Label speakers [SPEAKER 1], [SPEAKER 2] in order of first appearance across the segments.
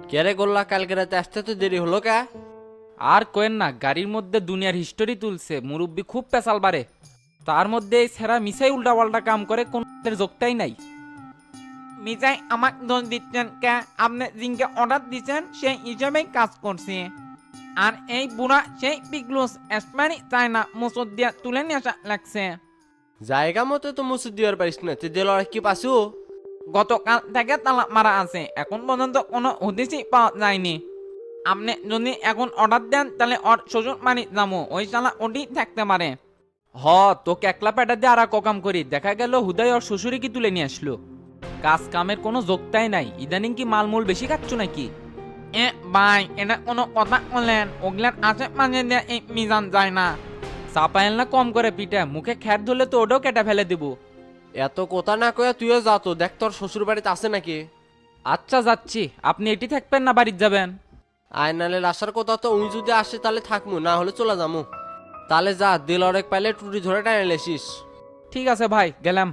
[SPEAKER 1] কেরে গোল্লা কালকে রাতে আসতে তো দেরি হলো কা?
[SPEAKER 2] আর কোয়েন না, গাড়ির মধ্যে দুনিয়ার হিস্টোরি তুলছে, মুরব্বি খুব পেশাল বাড়ে। তার মধ্যে এই ছেঁড়া মিসাই উল্টাপাল্টা কাম করে কোন যোগটাই নাই।
[SPEAKER 3] মিজাই আমাক দোষ দিচ্ছেন কে? আপনি জিনকে অর্ডার দিচ্ছেন সেই হিসাবেই কাজ করছে। আর এই বুড়া সেই পিকলুস এসপানি চায় না মুসুদ দিয়া তুলে নিয়ে আসা লাগছে।
[SPEAKER 1] জায়গা মতো তো মুসুদ দিবার পারিস না, তুই দিল কি পাসু?
[SPEAKER 3] গতকাল থেকে তালা মারা আছে, এখন পর্যন্ত কোনো হদিসই পাওয়া যায়নি। আপনি যদি এখন অর্ডার দেন তাহলে ওর শ্বশুর বাড়ি যাবো, ওই শালা ওটি থাকতে পারে।
[SPEAKER 2] হ, তোকে একলা প্যাটা দিয়ে আর ককাম করি, দেখা গেল হুদাই ওর শ্বশুরে কি তুলে নিয়ে আসলো। কাজ কামের কোনো যোগতাই নাই, ইদানিং কি মালমূল বেশি খাচ্ছ নাকি?
[SPEAKER 3] এ ভাই, এটা কোনো কথা বললেন? ওগুলার আশেপাশে দিয়ে এই মিজান যায় না।
[SPEAKER 2] চাপাইল না কম করে পিঠা, মুখে খ্যাট ধরলে তো ওটাও কেটে ফেলে দিব।
[SPEAKER 1] এত কথা না কয়ে তুইও যা, তো দেখ তোর শ্বশুর বাড়িতে আছে নাকি।
[SPEAKER 2] আচ্ছা যাচ্ছি, আপনি এটি থাকবেন না বাড়িতে যাবেন?
[SPEAKER 1] আয়নালের আসার কথা তো উই যদি আসে তাহলে থাকমু, না হলে চলে যামু। তাহলে যা, দিল অরেক পাইলে টুটি ধরে টানে লেসিস।
[SPEAKER 2] ঠিক আছে ভাই, গেলাম।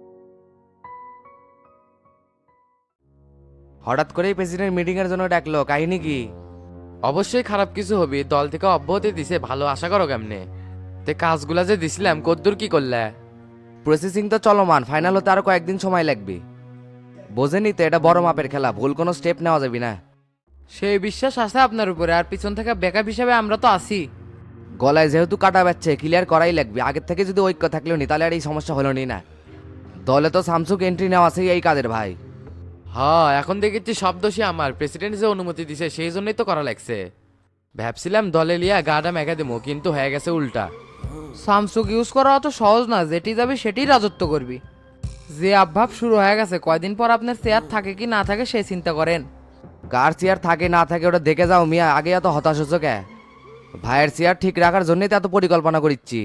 [SPEAKER 4] হঠাৎ করেই প্রেসিডেন্ট মিটিং এর জন্য ডাকলো, কাহিনী কি?
[SPEAKER 5] অবশ্যই খারাপ কিছু হবে, দল থেকে অব্যাহতি দিছে, ভালো আশা করো কেমনে? তে কাজগুলা যে দিছিলাম কদ্দূর কি করলে?
[SPEAKER 4] প্রসেসিং তো চলমান, ফাইনাল হতে আরো কয়েকদিন সময় লাগবে। বোঝেনি তো, এটা বড় মাপের খেলা, ভুল কোনো স্টেপ নেওয়া যাবে না।
[SPEAKER 5] সেই বিশ্বাস আছে আপনার উপরে, আর পিছন থেকে ব্যাকআপ হিসাবে আমরা তো আছি।
[SPEAKER 4] গলায় যেহেতু কাটা বাচ্ছে, ক্লিয়ার করাই লাগবে। আগের থেকে যদি ঐক্য থাকলেও নি, তাহলে আর এই সমস্যা হলো নি না। দলে তো স্যামসুং এন্ট্রি নেওয়া আছে এই কাজের ভাই।
[SPEAKER 5] হ্যাঁ, এখন দেখেছি সব দোষী আমার, প্রেসিডেন্ট যে অনুমতি দিছে সেই জন্যই তো করা লাগছে। ভাবছিলাম দলে লিয়া গাটা মেঘা দেবো, কিন্তু হয়ে গেছে উল্টা।
[SPEAKER 6] স্যামসুং ইউজ করা অত সহজ না, যেটি যাবে সেটি রাজত্ব করবি। যে আভাব শুরু হয়ে গেছে, কয়দিন পর আপনার চেয়ার থাকে কি না থাকে সে চিন্তা করেন।
[SPEAKER 4] কার চেয়ার থাকে না থাকে ওটা দেখে যাও মিয়া, আগে এত হতাশ হচ্ছ কে? ভাইয়ের চেয়ার ঠিক রাখার জন্যই তো এত পরিকল্পনা করিচ্ছি।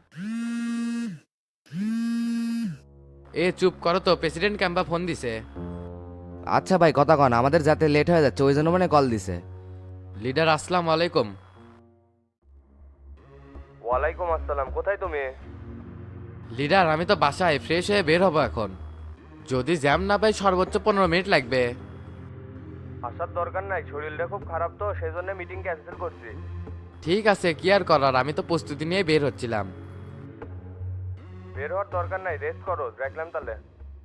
[SPEAKER 5] এ চুপ করো তো, প্রেসিডেন্ট ক্যাম্পা ফোন দিছে।
[SPEAKER 4] আচ্ছা ভাই, কথা কন, আমাদের যাতে লেট হয়ে যাচ্ছে ওই জন্য মানে কল দিছে।
[SPEAKER 5] লিডার আসসালামু আলাইকুম।
[SPEAKER 7] ওয়ালাইকুম আসসালাম, কোথায় তুমি?
[SPEAKER 5] লিডার আমি তো বাসায়, ফ্রেশ হয়ে বের হবো এখন। যদি জ্যাম না পাই সর্বোচ্চ 15 মিনিট লাগবে।
[SPEAKER 7] আসার দরকার নাই, শরীরটা খুব খারাপ তো সেই জন্য মিটিং ক্যান্সেল করছি।
[SPEAKER 5] ঠিক আছে, কি আর করার, আমি তো প্রস্তুতি নিয়ে বের হচ্ছিলাম।
[SPEAKER 7] বের হওয়ার দরকার নাই, রেস্ট করো, দেখলাম তাহলে।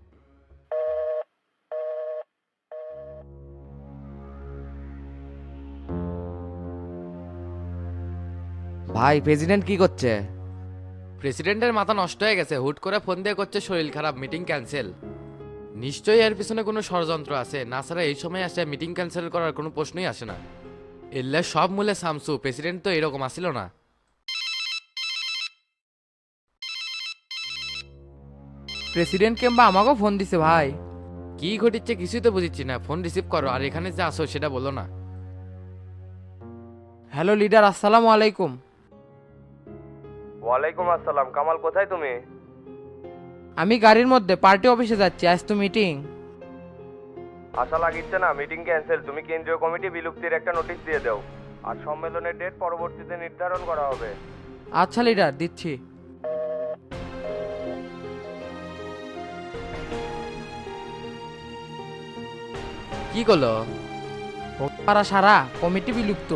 [SPEAKER 4] ভাই প্রেসিডেন্ট কি করছে?
[SPEAKER 5] প্রেসিডেন্টের মাথা নষ্ট হয়ে গেছে, হুট করে ফোন দিয়ে করছে শরীর খারাপ, মিটিং ক্যান্সেল। নিশ্চয়ই এর পিছনে কোনো ষড়যন্ত্র আছে, না ছাড়া এই সময় আসে মিটিং ক্যান্সেল করার কোনো প্রশ্নই আসে না। এলে সব মূলে সামসু, প্রেসিডেন্ট তো এরকম আসিল না।
[SPEAKER 6] প্রেসিডেন্ট কিংবা আমাকেও ফোন দিছে ভাই।
[SPEAKER 5] কি ঘটিচ্ছে কিছুই তো বুঝিচ্ছি না, ফোন রিসিভ করো, আর এখানে যে আসো সেটা বলো না।
[SPEAKER 6] হ্যালো লিডার, আসসালামু আলাইকুম।
[SPEAKER 7] ওয়ালাইকুম আসসালাম, কামাল কোথায় তুমি?
[SPEAKER 6] আমি গাড়ির মধ্যে পার্টি অফিসে যাচ্ছি, আজ তো মিটিং।
[SPEAKER 7] আশা লাগিচ্ছে না, মিটিং ক্যান্সেল। তুমি কেন্দ্রীয় কমিটি বিলুপ্তির একটা নোটিশ দিয়ে দাও, আর সম্মেলনের ডেট পরবর্তীতে নির্ধারণ করা হবে।
[SPEAKER 6] আচ্ছা লিডার, দিচ্ছি।
[SPEAKER 5] কি করলো?
[SPEAKER 6] পারা সারা কমিটি বিলুপ্ত।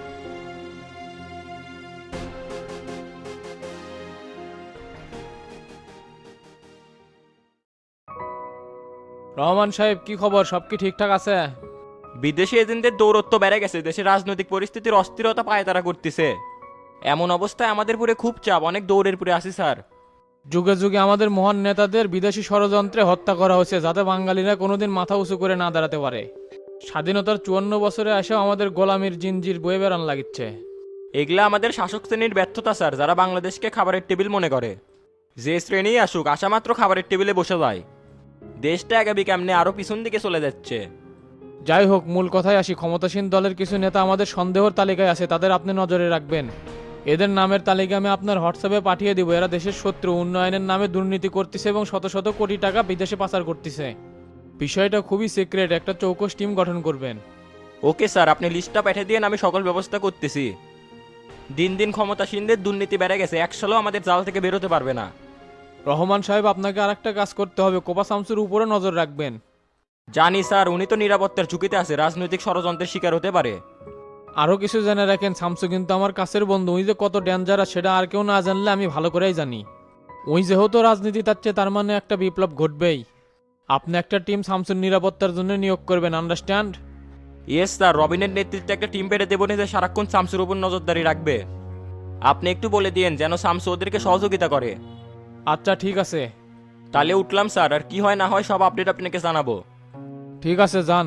[SPEAKER 8] রহমান সাহেব, কি খবর? সব কি ঠিকঠাক আছে?
[SPEAKER 9] বিদেশি এজেন্টদের দৌরত্ব বেড়ে গেছে, দেশের রাজনৈতিক পরিস্থিতির অস্থিরতা পায়তারা করতেছে। এমন অবস্থায় আমাদের পুরে খুব চাপ, অনেক দৌড়ের পুরে আসি স্যার।
[SPEAKER 8] যুগে যুগে আমাদের মহান নেতাদের বিদেশি ষড়যন্ত্রে হত্যা করা হয়েছে, যাতে বাঙালিরা কোনোদিন মাথা উঁচু করে না দাঁড়াতে পারে। স্বাধীনতার 54 বছরে এসেও আমাদের গোলামির জিনজির বয়ে বেড়ান লাগিচ্ছে।
[SPEAKER 9] এগুলা আমাদের শাসক শ্রেণীর ব্যর্থতা স্যার, যারা বাংলাদেশকে খাবারের টেবিল মনে করে। যে শ্রেণী আসুক, আসা মাত্র খাবারের টেবিলে বসে যায়। দেশটা আগামী কেমনে আরো পিছন দিকে চলে যাচ্ছে।
[SPEAKER 8] যাই হোক, মূল কথায় আসি। ক্ষমতাসীন দলের কিছু নেতা আমাদের সন্দেহর তালিকায় আছে, তাদের আপনি নজরে রাখবেন। এদের নামের তালিকা আমি আপনার হোয়াটসঅ্যাপে পাঠিয়ে দিব। এরা দেশের শত্রু, উন্নয়নের নামে দুর্নীতি করতেছে এবং শত শত কোটি টাকা বিদেশে পাচার করতেছে। বিষয়টা খুবই সিক্রেট, একটা চৌকস টিম গঠন করবেন।
[SPEAKER 9] ওকে স্যার, আপনি লিস্টটা পাঠিয়ে দিয়ে আমি সকল ব্যবস্থা করতেছি। দিন দিন ক্ষমতাসীনদের দুর্নীতি বেড়ে গেছে, এক সালও আমাদের জাল থেকে বেরোতে পারবে না।
[SPEAKER 8] রহমান সাহেব, আপনাকে আরেকটা কাজ করতে হবে, কোপা শামসুর উপরে নজর রাখবেন।
[SPEAKER 9] জানি স্যার, উনি তো নিরাপত্তার ঝুঁকিতে আছে, রাজনৈতিক ষড়যন্ত্রের শিকার হতে পারে।
[SPEAKER 8] আরও কিছু জেনে রাখেন, শামসু কিন্তু আমার কাছের বন্ধু। ওই যে কত ডেঞ্জারাস সেটা আর কেউ না জানলে আমি ভালো করেই জানি। ওই যেহেতু রাজনীতি তাচ্ছে, তার মানে একটা বিপ্লব ঘটবেই। আপনি একটা টিম শামসুর নিরাপত্তার জন্য নিয়োগ করবেন, আন্ডারস্ট্যান্ড?
[SPEAKER 9] ইয়েস স্যার, রবিনের নেতৃত্বে একটা টিম পেটে দেবো যে সারাক্ষণ শামসুর উপর নজরদারি রাখবে। আপনি একটু বলে দিয়েন যেন শামসু ওদেরকে সহযোগিতা করে।
[SPEAKER 8] আচ্ছা ঠিক আছে।
[SPEAKER 9] তাহলে উঠলাম স্যার, আর কি হয় না হয় সব আপডেট আপনাকে জানাবো।
[SPEAKER 8] ঠিক আছে, যান।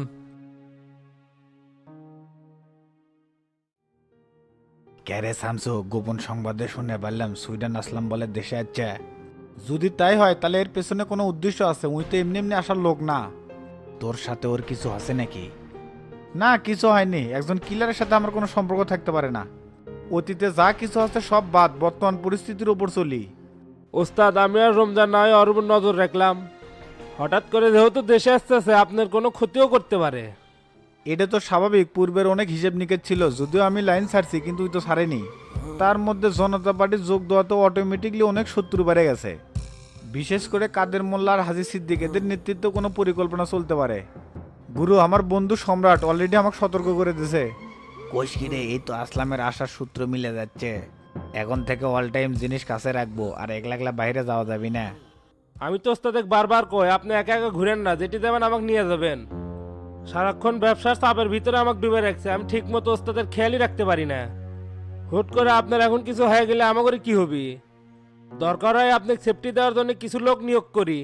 [SPEAKER 10] ক্যারে শামসু, গোপন সংবাদে শুনে পারলাম সুইডেন আসলাম বলে দেশে আসছে। যদি তাই হয় তাহলে এর পেছনে কোনো উদ্দেশ্য আছে। উই তো এমনি এমনি আসার লোক না। তোর সাথে ওর কিছু আছে নাকি? না, কিছু হয়নি। একজন কিলারের সাথে আমার কোনো সম্পর্ক থাকতে পারে না। অতীতে যা কিছু আছে সব বাদ, বর্তমান পরিস্থিতির উপর চলি।
[SPEAKER 8] ওস্তাদ, আমি আর রমজান নয় ওর উপর নজর রাখলাম। হঠাৎ করে যেহেতু দেশে আসতেছে, আপনার কোনো ক্ষতিও করতে পারে।
[SPEAKER 10] এটা তো স্বাভাবিক। পূর্বের অনেক হিসেব নিকেশ ছিল, যদিও আমি লাইন ছাড়ছি, কিন্তু ওই তো ছাড়েনি। তার মধ্যে জনতা পার্টির যোগ দেওয়াতে অটোমেটিকলি অনেক শত্রু বেড়ে গেছে। বিশেষ করে কাদের মোল্লা আর হাজি সিদ্দিক, এদের নেতৃত্বে কোনো পরিকল্পনা চলতে পারে। গুরু, আমার বন্ধু সম্রাট অলরেডি আমাকে সতর্ক করে দিয়েছে। কোশকিরে, এই তো আসলামের আশার সূত্র মিলে যাচ্ছে। এখন থেকে অল টাইম জিনিস কাছে রাখবো, আর একলা একলা বাইরে যাওয়া যাবি না।
[SPEAKER 8] আমি তো ওস্তাদ বারবার কই, আপনি একা একা ঘুরেন না, যেটি দেবেন আমাকে নিয়ে যাবেন। সারাক্ষণ ব্যবসার চাপের ভিতরে আমাকে ডুবে রাখছে, আমি ঠিক মতো ওস্তাদের খেয়ালই রাখতে পারি না। হুট করে আপনার এখন কিছু হয়ে গেলে আমাকে কি হবে? দরকার হয় আপনাকে সেফটি দেওয়ার জন্য কিছু লোক নিয়োগ করি।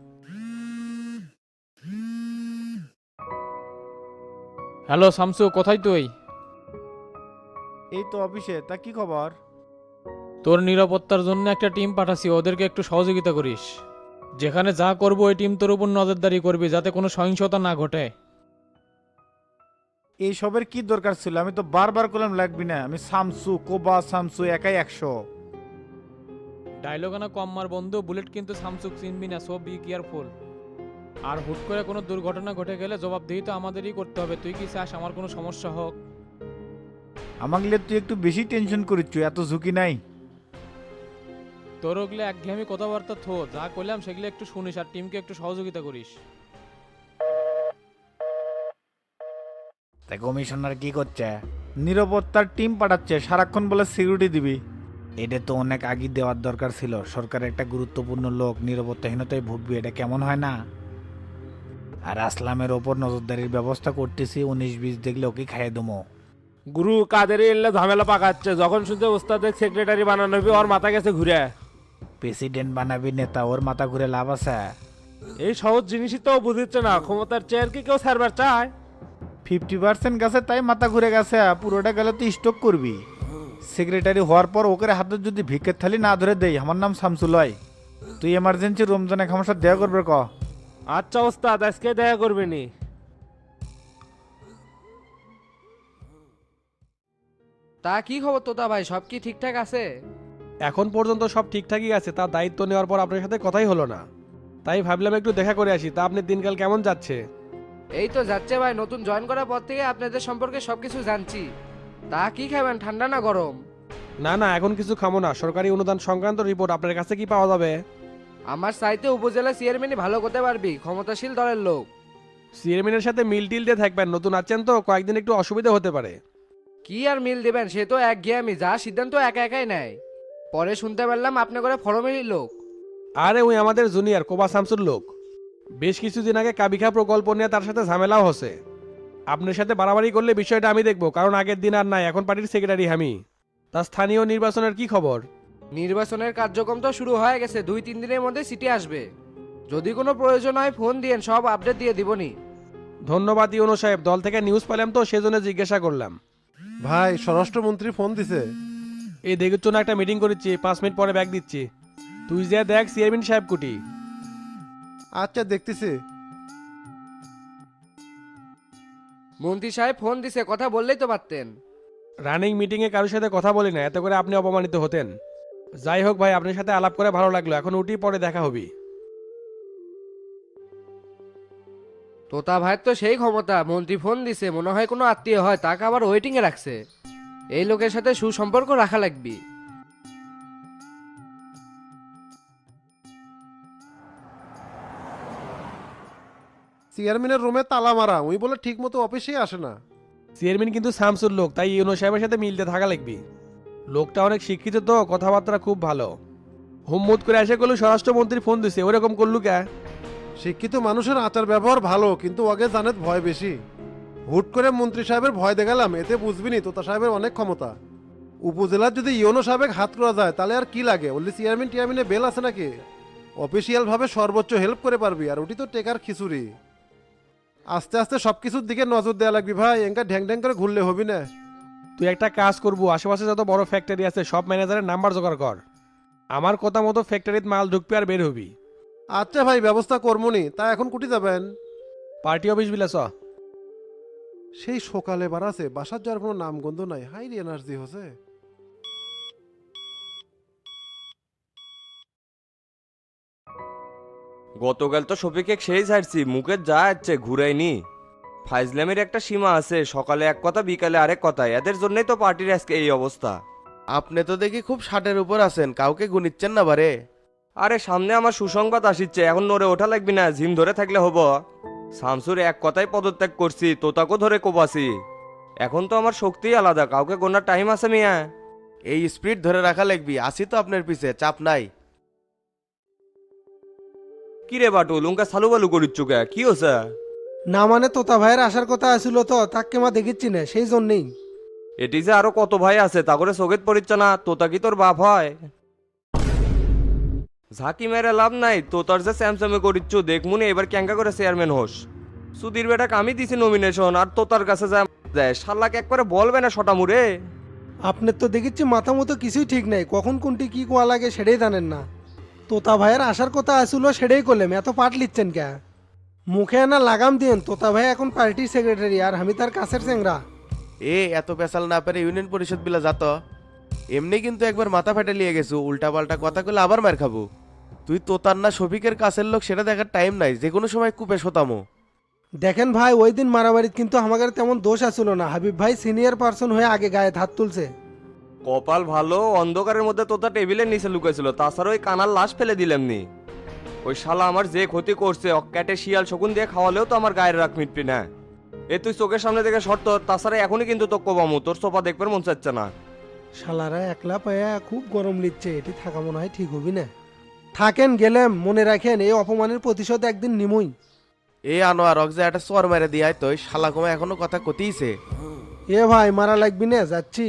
[SPEAKER 8] হ্যালো শামসু, কোথায় তুই?
[SPEAKER 10] এই তো অফিসে। তা কি খবর?
[SPEAKER 8] তোর নিরাপত্তার জন্য একটা টিম পাঠাচ্ছি, ওদেরকে একটু সহযোগিতা করিস। যেখানে যা করবো ওই টিম তোর উপর নজরদারি করবি, যাতে কোনো সহিংসতা না ঘটে।
[SPEAKER 10] এই সবের কি দরকার ছিল? আমি তো বারবার করলাম লাগবি না। আমি শামসু, কোবা শামসু, একাই 100।
[SPEAKER 8] ডায়লগ আনা কম মার বন্ধু, বুলেট কিন্তু শামসুক চিনবি না, সো বি কেয়ারফুল। আর হুট করে কোনো দুর্ঘটনা ঘটে গেলে জবাবদিহি তো আমাদেরই করতে হবে। তুই কি চাস আমার কোনো সমস্যা হোক?
[SPEAKER 10] আমাকে লিয়ে তুই একটু বেশি টেনশন করিচ্ছ, এত ঝুঁকি নাই।
[SPEAKER 8] তোর ওগুলো একঘেয়েমি কথাবার্তা থো, যা করলাম সেগুলো একটু শুনিস আর টিমকে একটু সহযোগিতা করিস।
[SPEAKER 10] তাই কমিশনার কি করছে? নিরাপত্তার টিম পাঠাচ্ছে, সারাক্ষণ বলে সিকিউরিটি দিবি। এটা তো অনেক আগে দেওয়ার দরকার ছিল। সরকারের একটা গুরুত্বপূর্ণ লোক নিরাপত্তাহীনতায় ভুগবি, এটা কেমন হয় না? আর আসলামের ওপর নজরদারির ব্যবস্থা করতেছি। 19-20 দেখলে ওকে খাইয়ে দেবো।
[SPEAKER 8] গুরু কাদের এলে ঝামেলা পাকাচ্ছে, যখন শুনছে ওস্তাদের সেক্রেটারি বানানো হবে ওর মাথা গেছে ঘুরে।
[SPEAKER 10] প্রেসিডেন্ট বানাবি নেতা, ওর মাথা ঘুরে লাভ আছে?
[SPEAKER 8] এই সহজ জিনিসই তো বুঝিচ্ছে না, ক্ষমতার চেয়ার কি কেউ ছাড়বার চায়?
[SPEAKER 10] 50% গেছে তাই মাথা ঘুরে গেছে, পুরোটা গেলে তুই স্টক করবি। সেক্রেটারি হওয়ার পর ওকে হাতে যদি ভিক্ষের থালি না ধরে দেই, আমার নাম শামসুলয়। তুই এমার্জেন্সি রমজানে আমার সাথে দেখা করবে ক।
[SPEAKER 8] আচ্ছা ওস্তাদ, আজকে দেখা করবেনি।
[SPEAKER 6] তা কি খবর তোতা ভাই, সব কি ঠিকঠাক আছে?
[SPEAKER 11] এখন পর্যন্ত সব ঠিকঠাকই আছে। তার দায়িত্ব নেওয়ার পর আপনার সাথে কথাই হলো না, তাই ভাবলাম একটু দেখা করে আসি। তা আপনার দিনকাল কেমন যাচ্ছে?
[SPEAKER 6] এই তো যাচ্ছে ভাই, নতুন জয়েন করার পর থেকে আপনাদের সম্পর্কে সবকিছু জানছি। তা কি খাবেন, ঠান্ডা না গরম?
[SPEAKER 11] না না, এখন কিছু খামো না। সরকারি অনুদান সংক্রান্ত রিপোর্ট আপনার কাছে কি পাওয়া যাবে?
[SPEAKER 6] আমার চাইতে উপজেলা চেয়ারম্যানই ভালো করতে পারবি, ক্ষমতাশীল দলের লোক।
[SPEAKER 11] চেয়ারম্যানের সাথে মিল টিল দিয়ে থাকবেন, নতুন আছেন তো, কয়েকদিন একটু অসুবিধা হতে পারে।
[SPEAKER 6] কি আর মিল দিবেন, সে তো একঘেয়েমি, যা সিদ্ধান্ত একা একাই নেয়। পরে শুনতে পারলাম আপনি করে ফরমেরই লোক।
[SPEAKER 11] আরে ওই আমাদের জুনিয়র কোবা শামসুর লোক। বেশ কিছুদিন আগে কাবিখা প্রকল্প নিয়ে তার সাথে ঝামেলাও হচ্ছে। আপনার সাথে বাড়াবাড়ি করলে বিষয়টা আমি দেখবো, কারণ আগের দিন আর নাই, এখন পার্টির সেক্রেটারি আমি। তার স্থানীয় নির্বাচনের কি খবর?
[SPEAKER 6] নির্বাচনের কার্যক্রম তো শুরু হয়ে গেছে, 2-3 দিনের মধ্যে সিটি আসবে। যদি কোনো প্রয়োজন হয় ফোন দিয়েন, সব আপডেট দিয়ে দিবনি।
[SPEAKER 11] ধন্যবাদ ইউনো সাহেব, দল থেকে নিউজ পেলাম তো সেজন্য জিজ্ঞাসা করলাম।
[SPEAKER 12] ভাই, স্বরাষ্ট্রমন্ত্রী ফোন দিছে।
[SPEAKER 11] এই দেখের জন্য একটা মিটিং করেছি, 5 মিনিট পরে ব্যাগ দিচ্ছি। তুই যে দেখ চেয়ারম্যান সাহেব কুটি।
[SPEAKER 12] আচ্ছা, দেখতেছি।
[SPEAKER 6] মন্ত্রী সাহেব ফোন দিছে, কথা বললেই তো পারতেন।
[SPEAKER 11] রানিং মিটিংয়ে কারোর সাথে কথা বলি না, এত করে আপনি অপমানিত হতেন। যাই হোক ভাই, আপনার সাথে আলাপ করে ভালো লাগলো। এখন উঠি, পরে দেখা হবে।
[SPEAKER 6] তোতা ভাইয়ের তো সেই ক্ষমতা, মন্ত্রী ফোন দিছে, মনে হয় কোনো আত্মীয় হয়, তাকে আবার ওয়েটিং এ রাখছে। এই লোকের সাথে সুসম্পর্ক রাখা লাগবে।
[SPEAKER 12] চেয়ারম্যানের রুমে তালা মারা উই বলে ঠিক মতো অফিসেই আসে না।
[SPEAKER 11] চেয়ারম্যান কিন্তু শামসুর লোক, তাই ইউনো সাহেবের সাথে মিলতে থাকা লাগবে। লোকটা অনেক শিক্ষিত তো, কথাবার্তা খুব ভালো। হুম্মত করে এসে করলো স্বরাষ্ট্রমন্ত্রী ফোন দিছে, ওরকম করলু কে?
[SPEAKER 12] শিক্ষিত মানুষের আচার ব্যবহার ভালো, কিন্তু ওকে জানে ভয় বেশি। হুট করে মন্ত্রী সাহেবের ভয় দেখালাম, এতে বুঝবিনি তোতা সাহেবের অনেক ক্ষমতা। উপজেলার যদি ইউনো সাহেবের হাত করা যায় তাহলে আর কি লাগে? ওলি চেয়ারম্যান টিয়ারম্যানে বেল আছে নাকি? অফিসিয়াল ভাবে সর্বোচ্চ হেল্প করে পারবি, আর ওটি তো টেকার খিচুড়ি। আস্তে আস্তে সবকিছুর দিকে নজর দেওয়া লাগবি ভাই, এঙ্কা ঢ্যাং ঢ্যাং করে ঘুরলে হবি না।
[SPEAKER 11] তুই একটা কাজ করবো, আশেপাশে যত বড় ফ্যাক্টরি আছে সব ম্যানেজারের নাম্বার জোগাড় কর। আমার কথা মতো ফ্যাক্টরিতে মাল ঢুকবি আর বের হবি।
[SPEAKER 12] আচ্ছা ভাই, ব্যবস্থা করমনি। তা এখন কুটি যাবেন?
[SPEAKER 11] পার্টি অফিস বিলাস।
[SPEAKER 12] সেই সকালে বাড়াছে, বাসার যাওয়ার কোনো নামগন্ধ নাই। হাই এনার্জি হচ্ছে।
[SPEAKER 13] গতকাল তো শফিকে সেই ছাড়ছি, মুখে যা যাচ্ছে ঘুরাইনি। ফাইজলামের একটা সীমা আছে, সকালে এক কথা বিকালে আরেক কথা, এদের জন্যই তো পার্টির আজকে এই অবস্থা।
[SPEAKER 7] আপনি তো দেখি খুব ষাটের উপর আছেন, কাউকে গুনিচ্ছেন না বারে।
[SPEAKER 13] আরে সামনে আমার সুসংবাদ আসিচ্ছে, এখন নড়ে ওঠা লাগবি না, জিম ধরে থাকলে হবো। শামসুর এক কথাই পদত্যাগ করছি, তোতাকেও ধরে কোপাছি। এখন তো আমার শক্তি আলাদা, কাউকে গোনার টাইম আছে মিয়া।
[SPEAKER 7] এই স্পিড ধরে রাখা লাগবি, আসি তো আপনার পিছে, চাপ নাই।
[SPEAKER 13] কিরে বাটুল উনকা সালু বালু করিচ্ছু কে, কি হচ্ছে?
[SPEAKER 14] না মানে তোতা ভাইয়ের আসার কথা আসিল তো, তাকে মা দেখিচ্ছি না, সেই জন্যেই।
[SPEAKER 13] এটি যে আরো কত ভাই আছে তা করে চোখেত পড়িচ্ছে না, তোতা কি তোর বাপ হয়? ঝাঁকি মেরে লাভ নাই, তোতার যে স্যামসামে করিচ্ছু দেখমুনি এবার ক্যাঙ্কা করে চেয়ারম্যান হোস। সুধীর বেটাকে আমি দিছি নমিনেশন, আর তোতার কাছে যায় শাল্লাকে একবারে বলবে না শটামুরে।
[SPEAKER 14] আপনার তো দেখিচ্ছি মাথা মতো কিছুই ঠিক নাই, কখন কোনটি কি কোয়া লাগে সেটাই জানেন না। তোতা ভাইয়ের আসার কথা আসিল সেটাই করলাম, এত পাট লিচ্ছেন কে? মুখে না লাগাম দিন, তোতা ভাই এখন পার্টির সেক্রেটারি আর আমি তার কাছের চেংরা।
[SPEAKER 7] এত পেশাল না পেরে ইউনিয়ন পরিষদ বিলা যাত। এমনি কিন্তু একবার মাথা ফেটে লিয়ে গেছু, উল্টা পাল্টা কথা কইলে আবার মার খাবো। তুই তোতার না শফিকের কাছের লোক সেটা দেখার টাইম নাই, যে কোনো সময় কুপে শোতামো।
[SPEAKER 14] দেখেন ভাই, ওই দিন মারামারিত কিন্তু আমাদের তেমন দোষ আসিল না, হাবিব ভাই সিনিয়র পার্সন হয়ে আগে গায়ে হাত তুলছে।
[SPEAKER 13] কপাল ভালো, অন্ধকারের মধ্যে তোতা টেবিলের নিচে লুকেছিল, তাছাড়া ওই কানার লাশ ফেলে দিলামনি। ওই শালা আমার যে ক্ষতি করছে, অক্যাটে শিয়াল শকুন দিয়ে খাওয়ালেও তো আমার গায়ের রাখ মিটবি না। এ তুই চোখের সামনে থেকে শর্ত, তাছাড়া এখনই কিন্তু তো কোবামু, তোর সোফা দেখবার মন চাচ্ছে না।
[SPEAKER 14] শালারা একলা পায়া খুব গরম লিচ্ছে, এটি থাকা মনে হয় ঠিক হবি না। থাকেন গেলেম, মনে রাখেন এই অপমানের প্রতিশোধ একদিন নিমুই।
[SPEAKER 7] আনোয়ার অগজা একটা চর মেরে দিয়াই তো, শালা কমে এখনো কথা কতিছে।
[SPEAKER 14] এ ভাই মারা লাগবি না, যাচ্ছি।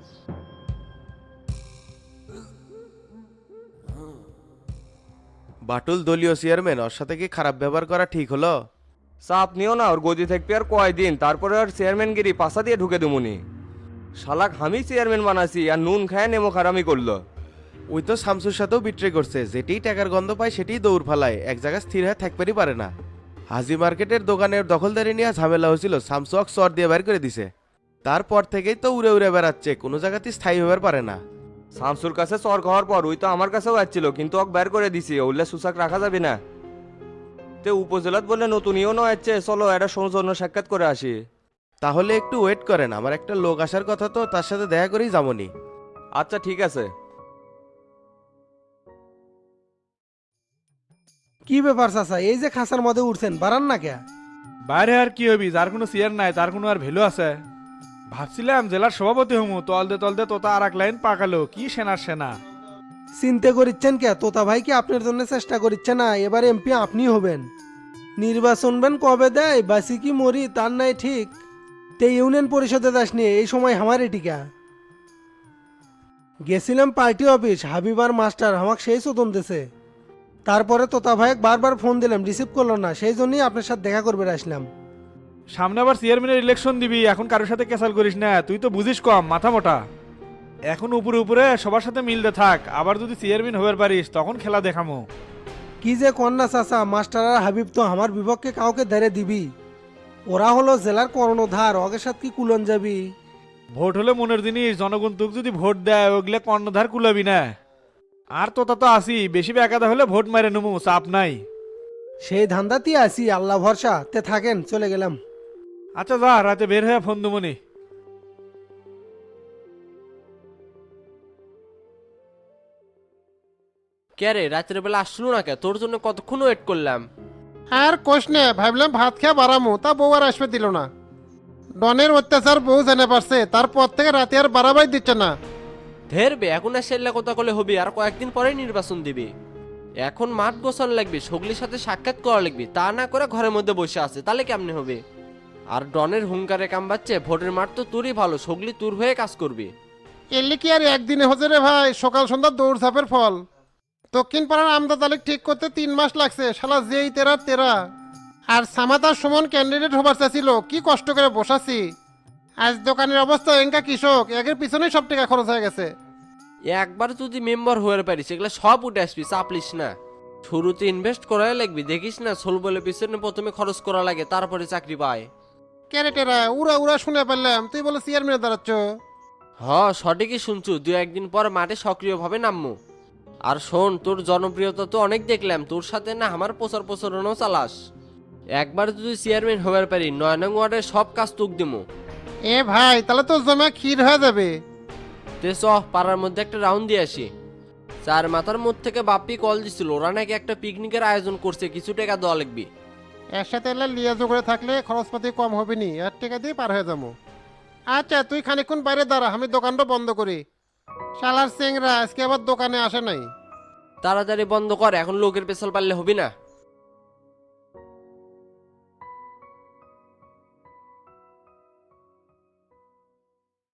[SPEAKER 7] বাটুল দলীয় চেয়ারম্যান, ওর সাথে কি খারাপ ব্যবহার করা ঠিক হলো?
[SPEAKER 13] চাপ নিও না, ওর গদি থাকবি আর কয়দিন, তারপরে আর চেয়ারম্যানগিরি পাশা দিয়ে ঢুকে দেবুনি। শালাক আমি চেয়ারম্যান বানাছি আর নুন খায় নেমো খারামি করলো।
[SPEAKER 7] ওই তো শামসুর সাথেও বিট্রে করছে, যেটি টাকার গন্ধ পায় সেটিই দৌড় ফালায়, এক জায়গায় স্থির হয়ে থাকতেই পারে না। হাজি মার্কেটের দোকানের দখলদারি নিয়ে ঝামেলা হয়েছিল, শামসুক চর দিয়ে বের করে দিছে। তারপর থেকেই তো উড়ে উড়ে বেড়াচ্ছে, কোনো জায়গাতেই স্থায়ী হবার পারে না।
[SPEAKER 13] শামসুর কাছে চর খাওয়ার পর ওই তো আমার কাছেও আসছিল, কিন্তু ওক বের করে দিছি, ওইলে সুসাক রাখা যাবে না। তে উপজেলাত বলে নতুন ইউনো আসছে, চলো একটা সৌজন্য সাক্ষাৎ করে আসি।
[SPEAKER 7] তাহলে একটু ওয়েট করেন, আমার একটা লোক আসার কথা তো, তার সাথে দেখা করেই যাবনি।
[SPEAKER 13] আচ্ছা ঠিক আছে।
[SPEAKER 14] কি ব্যাপার চাচা, এই যে খাসার মধ্যে উঠছেন, বাড়ান না কে?
[SPEAKER 8] বাইরে আর কি হবি, যার কোনো চেয়ার নাই তার কোনো আর ভ্যালু আছে? ভাবছিলাম জেলার সভাপতি হমু, তলদে তলদে তোতা আর এক লাইন পাকালো, কি সেনার সেনা।
[SPEAKER 14] চিন্তা করিচ্ছেন কে? তোতা ভাই কি আপনার জন্য চেষ্টা করিচ্ছে না? এবার এমপি আপনি হবেন। নির্বাচন বেন কবে দেয়, বাসি কি মরি তার নাই ঠিক। তে ইউনিয়ন পরিষদে যাসনি, এই সময় আমার টিকা। গেছিলাম পার্টি অফিস, হাবিবার মাস্টার আমাকে সেই চোদন দিছে। তারপরে তোতা ভাইক বারবার ফোন দিলাম, রিসিভ করলো না, সেই জন্যই আপনার সাথে দেখা করবে আসলাম।
[SPEAKER 8] সামনে আবার চেয়ারম্যানের ইলেকশন দিবি, এখন কারোর সাথে ক্যাসাল করিস না, তুই তো বুঝিস কম, মাথা মোটা। এখন উপরে উপরে সবার সাথে মিলতে থাক, আবার যদি চেয়ারম্যান হবার পারিস তখন খেলা দেখামো।
[SPEAKER 14] কি যে কন্যা চাচা, মাস্টার আর হাবিব তো আমার বিপক্ষে কাউকে ধরে দিবি। ওরা হলো জেলার কর্ণধার, ওকে সাথে কি কুলন যাবি?
[SPEAKER 8] ভোট হলে মনের জিনিস, জনগণ তোকে যদি ভোট দেয় ওগুলো কর্ণধার কুলাবি না। আর তোতা তো আসি, বেশি বেকাদা হলে ভোট মারে নেবো, চাপ নাই।
[SPEAKER 14] সেই ধান্দাতেই আসি, আল্লাহ ভরসা। তে থাকেন, চলে গেলাম।
[SPEAKER 8] আচ্ছা যা, রাতে বের হয়ে ফোন দেবনি।
[SPEAKER 1] কে রে, রাত্রের বেলা আসলো না কে? তোর জন্য কতক্ষণ ওয়েট করলাম।
[SPEAKER 12] আর কোষ নে, ভাবলাম ভাত খেয়ে বাড়ামু, তা বউ আর আসবে দিল না। ডনের অত্যাচার বউ জেনে পারছে, তারপর থেকে রাতে আর বাড়াবাই দিচ্ছে না।
[SPEAKER 1] ধেরবে এখন আর সেল্লা কথা কলে হবে, আর কয়েকদিন পরে নির্বাচন দিবে। এখন মাঠ গোছানো লাগবে, সগলির সাথে সাক্ষাৎ করা লাগবে, তা না করে ঘরের মধ্যে বসে আছে, তাহলে কেমনে হবে? আর ডনের হুঙ্কারে কামবাচ্ছে, ভোটের মাঠ তো তোরই ভালো, সগলি তোর হয়ে কাজ করবে।
[SPEAKER 12] এলি কি আর একদিনে হচ্ছে রে ভাই, সকাল সন্ধ্যা দৌড় ঝাপের ফল। দক্ষিণ পাড়ার আমদা তালিক ঠিক করতে 3 মাস লাগছে, শালা যেই তেরা তেরা। আর সামাতার সুমন ক্যান্ডিডেট হবার চাইছিল, কি কষ্ট করে বসাছি। আজ দোকানের অবস্থা এঙ্কা কৃষক, একের পিছনেই সব টাকা খরচ হয়ে গেছে।
[SPEAKER 1] একবার যদি মেম্বার হয়ে পারিস এগুলো সব উঠে আসবি, চাপলিস না। শুরুতে ইনভেস্ট করাই লাগবি, দেখিস না সোল বলে পিছনে প্রথমে খরচ করা লাগে, তারপরে চাকরি পায়।
[SPEAKER 12] ক্যারেটেরা উড়া উড়া শুনে পেলাম, তুই বলে চেয়ারম্যানে দাঁড়াচ্ছ।
[SPEAKER 1] সঠিকই শুনছু, 2-1 দিন পর মাঠে সক্রিয়ভাবে নামবো। আর শোন, তোর জনপ্রিয়তা তো অনেক দেখলাম, তোর সাথে না আমার প্রচারণও চালাস। একবার যদি চেয়ারম্যান হবার পারি 9 নং ওয়ার্ডের সব কাজ তুক দিমো।
[SPEAKER 12] এ ভাই, তাহলে তো জমা ক্ষীর হয়ে যাবে।
[SPEAKER 1] তে চ পাড়ার মধ্যে একটা রাউন্ড দিয়ে আসি। 4 মাথার মধ্যে থেকে বাপ্পি কল দিছিল, ওরা নাকি একটা পিকনিকের আয়োজন করছে, কিছু টাকা দেওয়া লাগবে।
[SPEAKER 12] একসাথে এলে লিয়াজো করে থাকলে খরচপাতি কম হবে নি, আর টাকা দিয়ে পার হয়ে যাবো। আচ্ছা তুই খানিকক্ষণ বাইরে দাঁড়া, আমি দোকানটা বন্ধ করি। শালার চেংরা আজকে আবার দোকানে আসে নাই।
[SPEAKER 1] তাড়াতাড়ি বন্ধ কর, এখন লোকের পেছাল পারলে হবি না।